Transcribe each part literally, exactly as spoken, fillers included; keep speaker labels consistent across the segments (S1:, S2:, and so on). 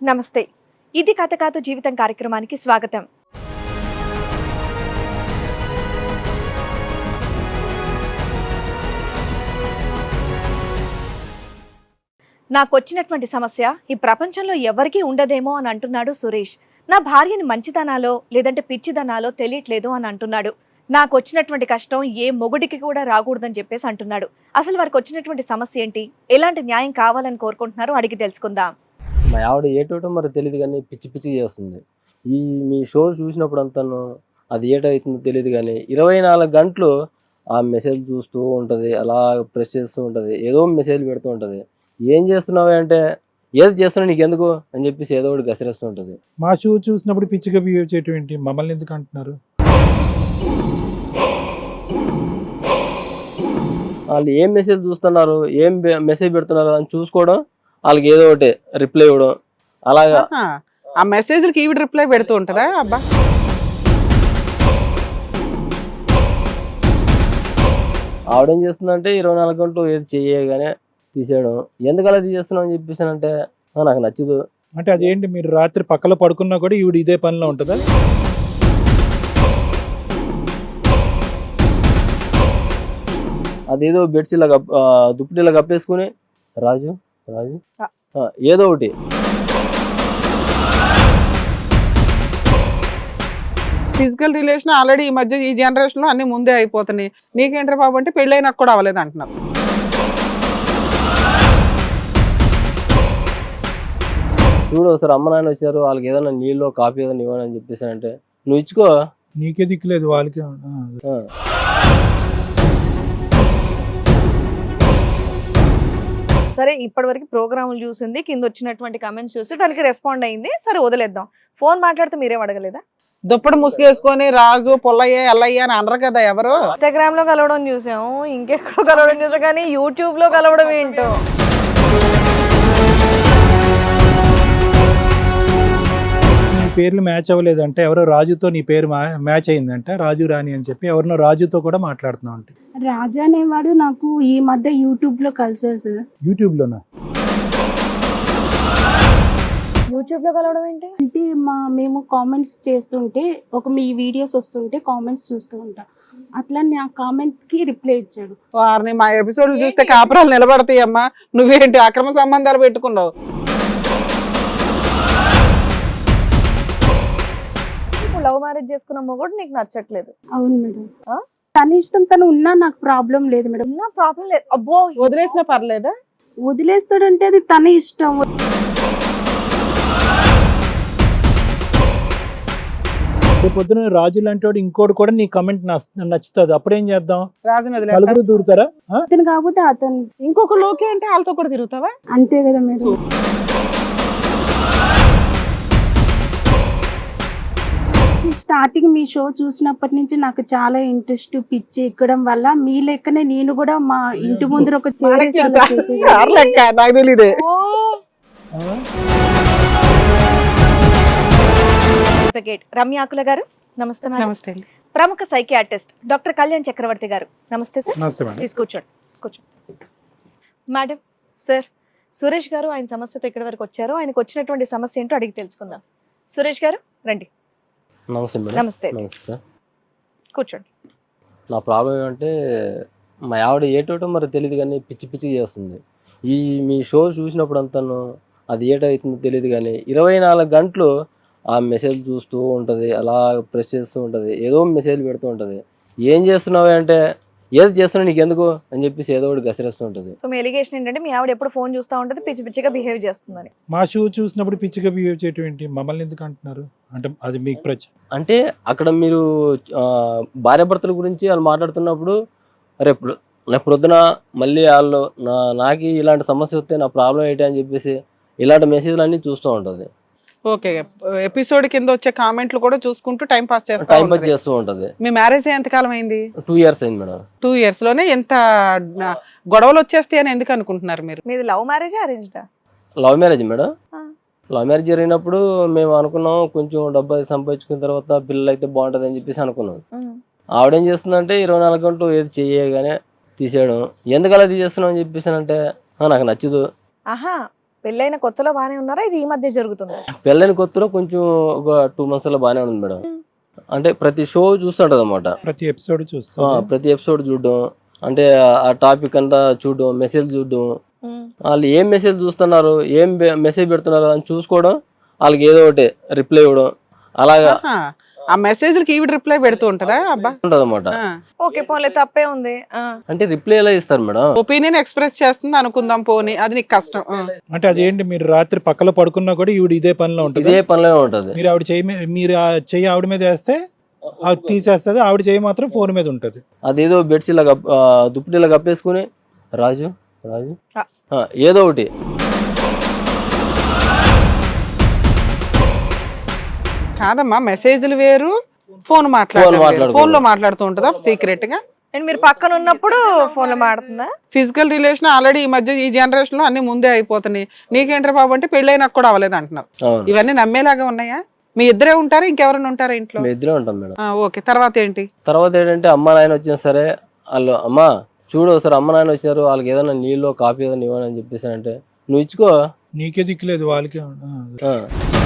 S1: నమస్తే. ఇది కథ కాదు జీవితం కార్యక్రమానికి స్వాగతం. నాకొచ్చినటువంటి సమస్య ఈ ప్రపంచంలో ఎవరికీ ఉండదేమో అని అంటున్నాడు సురేష్. నా భార్యని మంచిదనాలో లేదంటే పిచ్చిదనాలో తెలియట్లేదు అని అంటున్నాడు. నాకు వచ్చినటువంటి కష్టం ఏ మొగుడికి కూడా రాకూడదని చెప్పేసి అంటున్నాడు. అసలు వారికి వచ్చినటువంటి సమస్య ఏంటి, ఎలాంటి న్యాయం కావాలని కోరుకుంటున్నారో అడిగి తెలుసుకుందాం.
S2: మా ఆవిడ ఏటోటో మరి తెలియదు కానీ పిచ్చి పిచ్చి చేస్తుంది. ఈ మీ షో చూసినప్పుడు అంతాను అది ఏటవుతుందో తెలియదు కానీ ఇరవై నాలుగు గంటలు ఆ మెసేజ్ చూస్తూ ఉంటుంది, అలా ప్రెస్ చేస్తూ ఉంటుంది, ఏదో మెసేజ్ పెడుతూ ఉంటుంది. ఏం చేస్తున్నావు అంటే ఏది చేస్తున్నావు నీకు ఎందుకు అని చెప్పేసి ఏదో ఒకటి గసిరేస్తూ ఉంటుంది.
S3: మా షో చూసినప్పుడు పిచ్చిగా బిహేవ్ చేయటం ఏంటి, మమ్మల్ని ఎందుకు అంటున్నారు?
S2: వాళ్ళు ఏం మెసేజ్ చూస్తున్నారు, ఏం మెసేజ్ పెడుతున్నారు అని చూసుకోవడం, వాళ్ళకి ఏదో ఒకటి రిప్లై ఇవ్వడం, అలాగా
S4: ఆ మెసేజ్లకి ఈవిడ రిప్లై పెడుతూ ఉంటుందా? అబ్బా,
S2: ఆవిడేం చేస్తుందంటే ఇరవై నాలుగు గంటలు ఏది చేయగానే తీసేయడం. ఎందుకు అలా తీసేస్తున్నావు అని చెప్పేసానంటే నాకు నచ్చదు
S3: అంటే అదేంటి, మీరు రాత్రి పక్కలో పడుకున్నా కూడా ఈవిడ ఇదే పనిలో ఉంటుందా?
S2: అదేదో బెడ్స్ ఇలా కప్ దుప్పటి ఇలా కప్పేసుకుని రాజు రాజు ఏదో ఒకటి.
S4: ఫిజికల్ రిలేషన్ ఆల్రెడీ ఈ మధ్య ఈ జనరేషన్ లో అన్ని ముందే అయిపోతున్నాయి. నీకేంట్రా బాబు అంటే పెళ్ళైనాక కూడా అవ్వలేదు అంటున్నారు.
S2: చూడు ఒకసారి అమ్మ నాయన వచ్చారు, వాళ్ళకి ఏదైనా నీళ్ళు కాఫీ ఏదైనా ఇవ్వని అని చెప్పేసానంటే నువ్వు ఇచ్చుకో,
S3: నీకే దిక్కులేదు వాళ్ళకి.
S1: సరే, ఇప్పటి వరకు ప్రోగ్రాములు చూసింది, కింద వచ్చినటువంటి కమెంట్స్ చూసి దానికి రెస్పాండ్ అయింది. సరే వదిలేద్దాం. ఫోన్ మాట్లాడితే మీరేం అడగలేదా?
S4: దుప్పటి ముసుగేసుకొని రాజు పొల్లయ్య ఎల్లయ్య అని అనరు కదా ఎవరు.
S1: ఇన్స్టాగ్రామ్ లో కలవడం చూసాము, ఇంకెక్కడో కలవడం చూసాం, కానీ యూట్యూబ్ లో కలవడం ఏంటో.
S3: నీ పేర్లు మ్యాచ్ అవ్వలేదు అంటే ఎవరో రాజుతో నీ పేరు మ్యాచ్ అయిందంట, రాజు రాణి అని చెప్పి ఎవరినో రాజుతో కూడా మాట్లాడుతున్నావు అంటే.
S5: రాజా అనేవాడు నాకు ఈ మధ్య యూట్యూబ్ లో కలిసారు సార్.
S3: యూట్యూబ్ లోనా?
S1: యూట్యూబ్ లో కలవడం ఏంటి
S5: అంటే మా మేము కామెంట్స్ చేస్తుంటే ఒక మీ వీడియోస్ వస్తుంటే కామెంట్స్ చూస్తూ ఉంటా, అట్లా నా కామెంట్ కి రిప్లై ఇచ్చాడు.
S4: వారిని మా ఎపిసోడ్లు చూస్తే కాపురాలు నిలబడతాయి అమ్మా, నువ్వేంటి అక్రమ సంబంధాలు పెట్టుకున్నావు?
S1: లవ్ మ్యారేజ్ చేసుకున్న మొగుడు నీకు నచ్చట్లేదు?
S5: అవును మేడం, తన ఇష్టం, తను ఉన్నా నాకు ప్రాబ్లం లేదు మేడం.
S1: నా ప్రాబ్లం లేదు. అబ్బో,
S4: వదిలేసినా పర్లేదా?
S5: వదిలేస్తాడంటే అది తన ఇష్టం.
S3: పొద్దున రాజు లాంటి వాడు ఇంకోటి కూడా నీ కమెంట్ నచ్చుతుంది, అప్పుడేం చేద్దాం?
S4: రాజుని
S3: నలుగురు దూరుతారా?
S5: అతను కాకపోతే అతను
S4: ఇంకొక లోకే అంటే వాళ్ళతో కూడా తిరుగుతావా?
S5: అంతే కదా మేడం. స్టార్టింగ్ మీ షో చూసినప్పటి నుంచి నాకు చాలా ఇంట్రెస్ట్, పిచ్చి ఎక్కడం వల్ల మీ లెక్కనే నేను కూడా మా ఇంటి ముందర ఒక
S1: రమ్యాకుల గారు నమస్తే.
S4: నమస్తే.
S1: ప్రముఖ సైకియాట్రిస్ట్ డాక్టర్ కళ్యాణ్ చక్రవర్తి గారు నమస్తే సార్. ప్లీజ్ కూర్చోండి కూర్చోండి మేడం. సార్, సురేష్ గారు ఆయన సమస్యతో ఇక్కడి వరకు వచ్చారు. ఆయనకు వచ్చినటువంటి సమస్య ఏంటో అడిగి తెలుసుకుందాం. సురేష్ గారు రండి.
S2: నమస్తే మేడం.
S1: నమస్తే.
S2: నమస్తే సార్,
S1: కూర్చోండి.
S2: నా ప్రాబ్లం ఏమంటే మా ఆవిడ ఏటోటో మరి తెలియదు కానీ పిచ్చి పిచ్చి చేస్తుంది. ఈ మీ షో చూసినప్పుడు అంతాను అది ఏటవుతుందో తెలియదు కానీ ఇరవై నాలుగు గంటలు ఆ మెసేజ్ చూస్తూ ఉంటుంది, అలా ప్రెస్ చేస్తూ ఉంటుంది, ఏదో మెసేజ్ పెడుతూ ఉంటుంది. ఏం చేస్తున్నావు అంటే ఏది చేస్తున్నావు నీకు ఎందుకు అని చెప్పేసి ఏదో ఒకటి గసిరేస్తూ ఉంటుంది.
S1: సో మీ ఎలిగేషన్ ఏంటంటే మీ ఆవిడ ఎప్పుడు ఫోన్ చూస్తూ ఉంటుంది, పిచ్చి పిచ్చిగా బిహేవ్ చేస్తుందని.
S3: మా షో చూసినప్పుడు పిచ్చిగా బిహేవ్ చేయటం ఏంటి, మమ్మల్ని ఎందుకు అంటున్నారు అంటే అది మీకు ప్రశ్న.
S2: అంటే అక్కడ మీరు భార్యాభర్తల గురించి వాళ్ళు మాట్లాడుతున్నప్పుడు రేపు రేపు పొద్దున మళ్ళీ వాళ్ళు నా నాకు ఇలాంటి సమస్య వస్తే నా ప్రాబ్లం ఏంటి అని చెప్పేసి ఇలాంటి మెసేజ్లు అన్ని చూస్తూ ఉంటుంది.
S4: ఓకే, ఎపిసోడ్ కింద వచ్చే కామెంట్లు కూడా చూసుకుంటూ టైం పాస్ చేస్తా
S2: టైం పాస్ చేస్తూ ఉంటది.
S4: మీ మ్యారేజ్ ఎంత కాలం అయింది?
S2: టూ ఇయర్స్ అయింది మేడం.
S4: టూ ఇయర్స్ లోనే ఎంత గొడవలు వచ్చేస్తాయి అని ఎందుకు అనుకుంటున్నారు మీరు?
S1: మీది లవ్ మ్యారేజ్ అరేంజ్డా?
S2: Love marriage madam. Love marriage జరిగినప్పుడు మేము అనుకున్నాం కొంచెం డబ్బు అది సంపాదించుకున్న తర్వాత పిల్లలు అయితే బాగుంటది అని చెప్పేసి అనుకున్నాం. ఆవిడేం చేస్తుందంటే ఇరవై నాలుగు గంటలు ఏది చేయగానే తీసేయడం. ఎందుకు అలా తీసేస్తున్నావు అని చెప్పేసి అంటే నాకు నచ్చదు.
S1: ఆహా, పెళ్ళైన కొత్తలో బానే ఉన్నారా, ఇది ఈ మధ్య జరుగుతుందా?
S2: పెళ్ళైన కొత్తలో కొంచెం ఒక టూ మంత్స్ అలా బాగానే ఉంది మేడం. అంటే ప్రతి షో చూస్తుంటది అనమాట,
S3: ప్రతి ఎపిసోడ్ చూస్తా
S2: ప్రతి ఎపిసోడ్ చూడడం, అంటే ఆ టాపిక్ అంతా చూడడం, మెసేజ్ చూడడం,
S1: ఉమ్.
S2: వాళ్ళు ఏం మెసేజ్ చూస్తున్నారు, ఏం మెసేజ్ పెడుతున్నారు అని చూసుకోవడం, వాళ్ళకి ఏదో ఒకటి రిప్లై ఇవ్వడం, అలాగా
S4: ఆహా. ఆ మెసేజ్లకి ఈవిడ రిప్లై పెడుతూ ఉంటదా? అబ్బా,
S2: ఉంటది అనమాట.
S1: ఓకే పోలే, తప్పే ఉంది. ఆ.
S2: అంటే రిప్లై ఎలా ఇస్తారు మేడం?
S4: ఒపీనియన్ ఎక్స్ప్రెస్ చేస్తుంది అనుకుందాం, పోనీ అది నీకు కష్టం. ఆ.
S3: అంటే అదేంటి, మీరు రాత్రి పక్కలో పడుకున్నా కూడా ఈవిడ ఇదే పనిలో ఉంటుంది.
S2: ఇదే పనిలో ఉంటది.
S3: మీరు ఆవిడ చెయ్యి మీ- మీరు ఆ చెయ్యి ఆవిడ మీద వేస్తే అది తీసేస్తుంది, ఆవిడ చెయ్యి మాత్రం ఫోన్ మీద ఉంటుంది.
S2: అదేదో బెడ్స్ ఇలా కప్- ఆ, దుప్పటి ఇలా కప్పేసుకుని రాజు రాజు
S1: ఆ.
S2: ఆ, ఏదో ఒకటి
S4: కాదమ్మా, మెసేజ్లు వేరు, ఫోన్ మాట్లాడారు,
S2: మాట్లాడుకో-
S4: ఫోన్ లో మాట్లాడుతూ ఉంటుందా సీక్రెట్ గా?
S1: అండ్ మీరు పక్కన ఉన్నప్పుడు ఫోన్ లో మాడుతుందా?
S4: ఫిజికల్ రిలేషన్ ఆల్రెడీ ఈ మధ్య ఈ జనరేషన్ లో అన్ని ముందే అయిపోతున్నాయి. నీకేంట్రా బాబు అంటే పెళ్ళైనాక కూడా అవ్వలేదు అంటున్నావు.
S2: అవును,
S4: ఇవన్నీ నమ్మేలాగా ఉన్నాయా? మీ ఇద్దరే ఉంటారా, ఇంకెవరైనా ఉంటారా ఇంట్లో?
S2: మేము ఇద్దరే ఉంటాం మేడం.
S4: ఆ, ఓకే. తర్వాత ఏంటి?
S2: తర్వాత ఏంటంటే అమ్మ నాయన వచ్చినా సరే వాళ్ళు అమ్మ చూడు ఒకసారి అమ్మ నాయన వచ్చారు, వాళ్ళకి ఏదైనా నీళ్ళు కాఫీ ఏదైనా ఇవ్వని అని చెప్పేసి అంటే నువ్వు ఇచ్చుకో.
S3: నీకే దిక్కులేదు వాళ్ళకి. ఆ.
S2: ఆ.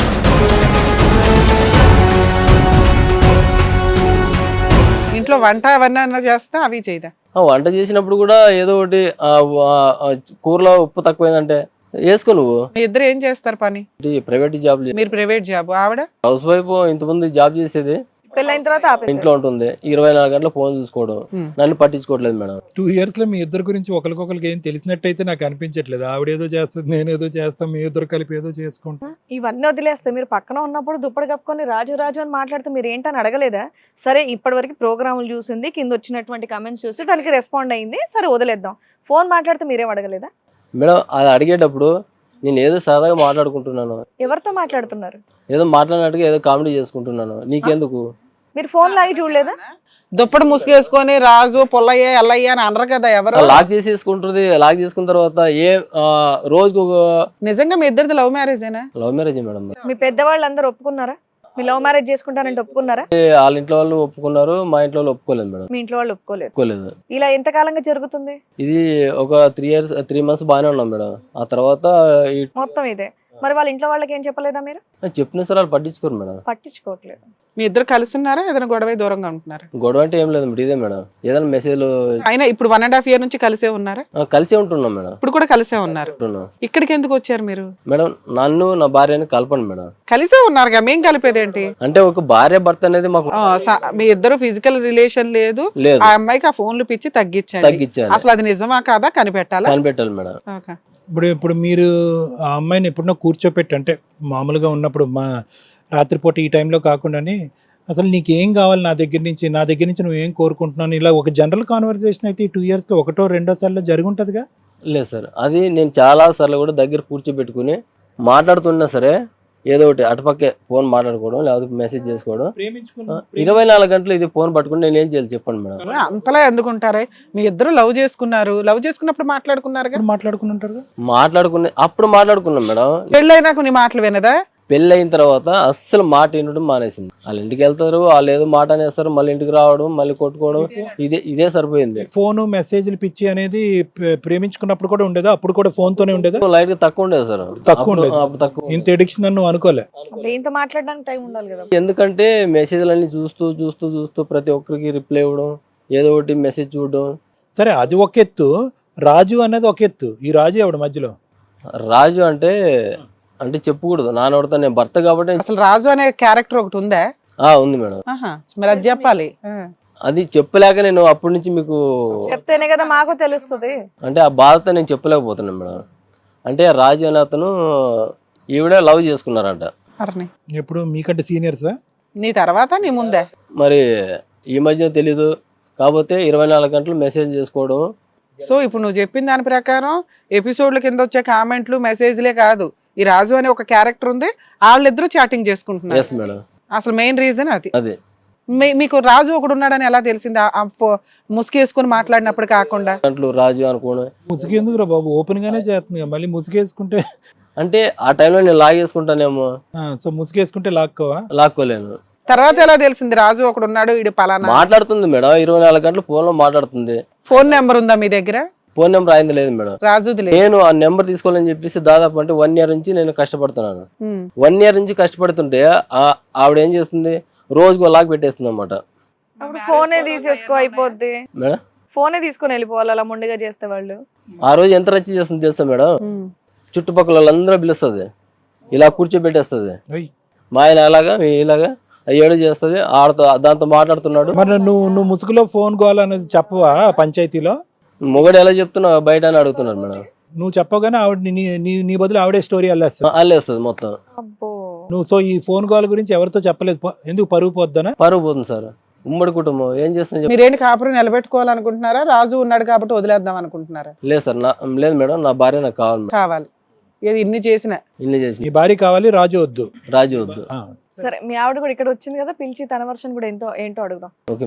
S4: ఇంట్లో వంట అవన్నీ అన్నా చేస్తా, అవి చేయదా?
S2: ఆ, వంట చేసినప్పుడు కూడా ఏదో ఒకటి ఆ, ఆ, కూరలో ఉప్పు తక్కువైందంటే వేసుకో నువ్వు.
S4: మీ ఇద్దరు ఏం చేస్తారు పని?
S2: ప్రైవేట్ జాబ్,
S4: మీరు ప్రైవేట్ జాబ్, ఆవిడ
S2: హౌస్ వైఫ్. ఇంతకుముందు జాబ్ చేసేది,
S1: పెళ్ళైన తర్వాత ఆపేసారు.
S2: ఇంట్లో ఉంటుంది, ఇరవై నాలుగు గంటల ఫోన్ చూసుకోవడం,
S4: Hmm.
S2: నన్ను పట్టించుకోవట్లేదు మేడం.
S3: టూ ఇయర్స్ లో మీ ఇద్దరు గురించి ఒకరికొకరికి ఏం తెలిసినట్టయితే నాకు అనిపించట్లేదు. ఆవిడేదో చేస్తుంది, నేనేదో చేస్తాం, మీ ఇద్దరు కలిపి ఏదో చేసుకుంటాం.
S1: ఇవన్నీ వదిలేస్తే మీరు పక్కన ఉన్నప్పుడు దుప్పటి కప్పుకొని రాజు రాజు అని మాట్లాడితే మీరు ఏంటని అడగలేదా? సరే ఇప్పటి వరకు ప్రోగ్రాములు చూసింది, కింద వచ్చినటువంటి కమెంట్స్ చూసి దానికి రెస్పాండ్ అయింది, సరే వదిలేద్దాం. ఫోన్ మాట్లాడితే మీరేం అడగలేదా?
S2: మేడం అది అడిగేటప్పుడు నేను ఏదో సరదాగా మాట్లాడుకుంటున్నాను,
S1: ఎవరితో మాట్లాడుతున్నారు?
S2: ఏదో మాట్లాడినట్టుగా ఏదో కామెడీ చేసుకుంటున్నాను, నీకెందుకు?
S1: మీరు ఫోన్ లాగి చూడలేదా?
S4: దుప్పటి ముసుగేసుకొని రాజు పొల్లయ్య ఎల్లయ్య అని అనరు కదా ఎవరు.
S2: లాక్ చేసేసుకుంటుంది. లాక్ చేసుకున్న తర్వాత ఏ ఆ, రోజుకు ఒక
S4: నిజంగా మీ ఇద్దరిది లవ్ మ్యారేజేనా?
S2: Love marriage madam.
S1: మీ పెద్దవాళ్ళు అందరూ ఒప్పుకున్నారా? మీ లవ్ మ్యారేజ్ చేసుకుంటానంటే ఒప్పుకున్నారా?
S2: వాళ్ళ ఇంట్లో వాళ్ళు ఒప్పుకున్నారు, మా ఇంట్లో వాళ్ళు ఒప్పుకోలేదు మేడం.
S1: మీ ఇంట్లో వాళ్ళు ఒప్పుకోలేదు.
S2: ఒప్పుకోలేదు.
S1: ఇలా ఎంత కాలంగా జరుగుతుంది?
S2: ఇది ఒక త్రీ ఇయర్స్ త్రీ మంత్స్ బాగానే ఉన్నాం మేడం. ఆ తర్వాత ఈ-
S1: మొత్తం ఇదే. మరి వాళ్ళ ఇంట్లో వాళ్ళకి ఏం చెప్పలేదా మీరు?
S2: చెప్పిన సార్ వాళ్ళు పట్టించుకోరు మేడం.
S1: పట్టించుకోవట్లేదు.
S4: మీ ఇద్దరు కలిసి ఉన్నారా, ఏదైనా గొడవ దూరంగా ఉంటున్నారా?
S2: గొడవ అంటే ఏం లేదు మేడం, ఇదే మేడం ఏదైనా మెసేజ్లు
S4: అయినా ఇప్పుడు వన్ అండ్ హాఫ్ ఇయర్ నుంచి కలిసే ఉన్నారా?
S2: కలిసే ఉంటున్నాం మేడం.
S4: ఇప్పుడు కూడా కలిసే ఉన్నారు.
S2: ఉంటున్నాం
S4: ఇక్కడికి ఎందుకు వచ్చారు మీరు?
S2: మేడం. నన్ను నా భార్యని కలపండి మేడం.
S4: కలిసే ఉన్నారుగా, మేం కలిపేది ఏంటి?
S2: అంటే ఒక భార్య భర్త అనేది మాకు
S4: ఆ, స- మీ ఇద్దరు ఫిజికల్ రిలేషన్ లేదు,
S2: లేదు,
S4: ఆ అమ్మాయికి ఆ ఫోన్లు పిచ్చి తగ్గించండి.
S2: తగ్గించాలి,
S4: అసలు అది నిజమా కాదా కనిపెట్టాలా?
S2: కనిపెట్టాలి మేడం.
S4: ఓకే.
S3: ఇప్పుడు ఇప్పుడు మీరు ఆ అమ్మాయిని ఎప్పుడన్నా కూర్చోపెట్టి, అంటే మామూలుగా ఉన్నప్పుడు మా రాత్రిపూట ఈ టైంలో కాకుండానే అసలు నీకు ఏం కావాలి నా దగ్గర నుంచి, నా దగ్గర నుంచి నువ్వు ఏం కోరుకుంటున్నాను, ఇలా ఒక జనరల్ కాన్వర్సేషన్ అయితే ఈ టూ ఇయర్స్లో ఒకటో రెండో సార్లు జరిగి ఉంటుందిగా?
S2: లేదు సార్, అది నేను చాలా సార్లు కూడా దగ్గర కూర్చోబెట్టుకుని మాట్లాడుతున్నా సరే ఏదో ఒకటి అటుపక్కే ఫోన్ మాట్లాడుకోవడం, లేకపోతే మెసేజ్ చేసుకోవడం. ఇరవై నాలుగు గంటలు ఇది ఫోన్ పట్టుకుని నేను ఏం చేయాలి చెప్పండి మేడం.
S4: అంతలా ఎందుకుంటారే? మీ ఇద్దరు లవ్ చేసుకున్నారు, లవ్ చేసుకున్నప్పుడు మాట్లాడుకున్నారుగా.
S3: మాట్లాడుకుని ఉంటారు.
S2: మాట్లాడుకునే అప్పుడు మాట్లాడుకున్నాం మేడం.
S4: పెళ్ళైనాక నీ మాటలు వినదా?
S2: పెళ్ళి అయిన తర్వాత అస్సలు మాట వినడం మానేసింది. వాళ్ళ ఇంటికి వెళ్తారు, వాళ్ళు ఏదో మాట అనేస్తారు, మళ్ళీ ఇంటికి రావడం, మళ్ళీ కొట్టుకోవడం, ఇదే ఇదే సరిపోయింది.
S3: ఫోను మెసేజ్లు పిచ్చి అనేది ప్రే- ప్రేమించుకున్నప్పుడు కూడా ఉండేదా? అప్పుడు కూడా ఫోన్ తోనే ఉండేదా?
S2: లైట్ గా తక్కువ ఉండేది సార్.
S3: తక్కువ
S2: అప్పుడు-
S3: ఉండేది.
S2: అప్పుడు తక్కువ.
S3: ఇంత ఎడిక్షన్ అని నువ్వు అనుకోలే?
S1: అంటే ఇంత మాట్లాడడానికి టైం ఉండాలి కదా.
S2: ఎందుకంటే మెసేజ్లన్నీ చూస్తూ చూస్తూ చూస్తూ ప్రతి ఒక్కరికి రిప్లై ఇవ్వడం, ఏదో ఒకటి మెసేజ్ చూడడం.
S3: సరే అది ఒక ఎత్తు, రాజు అనేది ఒక ఎత్తు. ఈ రాజు ఎవడు మధ్యలో?
S2: రాజు అంటే అంటే చెప్పకూడదు, నానోడతా, నేను భర్త కాబట్టి.
S4: అసలు రాజు అనే క్యారెక్టర్ ఒకటి ఉందా?
S2: ఆ ఉంది మేడం.
S4: ఆహా, మరి అది చెప్పాలి. ఆ.
S2: అది చెప్పలేక నేను అప్పటి నుంచి మీకు
S1: చెప్తేనే కదా మాకు తెలుస్తుంది.
S2: అంటే ఆ బాధతో నేను చెప్పలేకపోతున్నాను మేడం. అంటే రాజు అనే అతను ఈవిడ లవ్ చేసుకున్నారంట.
S4: అర్ని,
S3: ఎప్పుడు మీకంటే సీనియర్సా?
S4: నీ తర్వాత నీ ముందే?
S2: మరి ఈ మధ్య తెలీదు, కాకపోతే ఇరవై నాలుగు గంటలు మెసేజ్ చేసుకోవడం.
S4: సో ఇప్పుడు నువ్వు చెప్పిన దాని ప్రకారం ఎపిసోడ్ల కింద వచ్చే కామెంట్లు మెసేజ్లే కాదు, ఈ రాజు అనే ఒక క్యారెక్టర్ ఉంది, వాళ్ళిద్దరూ చాటింగ్ చేసుకుంటున్నారు.
S2: Yes madam.
S4: అసలు మెయిన్ రీజన్ అది.
S2: అదే
S4: మీ- మీకు రాజు ఒకడు ఉన్నాడని ఎలా తెలిసింది? ఆ- ఆ ఫో- ముసుగేసుకుని మాట్లాడినప్పుడు కాకుండా
S2: గంటలు రాజు అనుకోను.
S3: ముసుగేందుకు రా బాబు, ఓపెన్ గానే చేస్తుంది కదా, మళ్ళీ ముసుగేసుకుంటే
S2: అంటే ఆ టైంలో నేను లాగేసుకుంటానేమో.
S3: ఆ, సో ముసుగేసుకుంటే లాక్కోవా?
S2: లాక్కోలేను.
S4: తర్వాత ఎలా తెలిసింది రాజు ఒకడు ఉన్నాడు, ఇది పలానా?
S2: మాట్లాడుతుంది మేడం, ఇరవై నాలుగు గంటలు ఫోన్ లో మాట్లాడుతుంది.
S4: ఫోన్ నెంబర్ ఉందా మీ దగ్గర?
S2: ఫోన్ నెంబర్ అయింది లేదు మేడం.
S4: రాజుది లేదు.
S2: నేను ఆ నెంబర్ తీసుకోవాలని చెప్పేసి దాదాపు అంటే వన్ ఇయర్ నుంచి నేను కష్టపడుతున్నాను.
S4: ఉమ్.
S2: వన్ ఇయర్ నుంచి కష్టపడుతుంటే ఆ- ఆవిడ ఏం చేస్తుంది, రోజుకు లాక్ పెట్టేస్తుంది అన్నమాట
S1: అప్పుడు ఫోనే తీసేసుకో అయిపోద్ది,
S2: మేడం.
S1: ఫోనే తీసుకొని వెళ్ళిపోవాలి అలా మొండిగా చేస్తే వాళ్ళు.
S2: ఆ రోజు ఎంత రచ్చ చేస్తుంది తెలుసా మేడం,
S4: ఉమ్.
S2: చుట్టుపక్కల వాళ్ళందరూ పిలుస్తుంది, ఇలా కూర్చోబెట్టేస్తుంది.
S3: ఓయ్.
S2: మా ఆయన అలాగా మీ ఇలాగా ఏడు చేస్తుంది, ఆడతో దాంతో మాట్లాడుతున్నాడు.
S3: మరి నువ్వు నువ్వు ముసుగులో ఫోన్ గోల్ అనేది చెప్పవా పంచాయతీలో?
S2: మొగడు ఎలా చెప్తున్నావు బయట అని అడుగుతున్నారు మేడం.
S3: నువ్వు చెప్పగానే ఆవిడ నీ నీ- నీ బదులు ఆవిడే స్టోరీ అల్లేస్తా.
S2: అల్లేస్తుంది మొత్తం.
S1: అబ్బో.
S3: నువ్వు సో ఈ ఫోన్ కాల్ గురించి ఎవరితో చెప్పలేదు, పో- ఎందుకు పరుగు పోద్దనా?
S2: పరుగు పోతుంది సార్, ఉమ్మడి కుటుంబం ఏం చేస్తుంది చెప్పు.
S4: మీరేంటి కాపురం నిలబెట్టుకోవాలనుకుంటున్నారా, రాజు ఉన్నాడు కాబట్టి వదిలేద్దాం అనుకుంటున్నారా?
S2: లేదు సార్, నా లేదు మేడం, నా భార్య నాకు కావాలి మేడం.
S4: కావాలి, ఏది ఇన్ని చేసిన
S2: ఇల్లు చేసి
S3: నీ భార్య కావాలి, రాజు వద్దు.
S2: రాజు వద్దు.
S3: ఆ.
S1: సరే మీ ఆవిడ కూడా ఇక్కడ వచ్చింది కదా, పిలిచి తన వర్షన్ కూడా ఎంతో ఏంటో అడుగుదాం.
S2: ఓకే.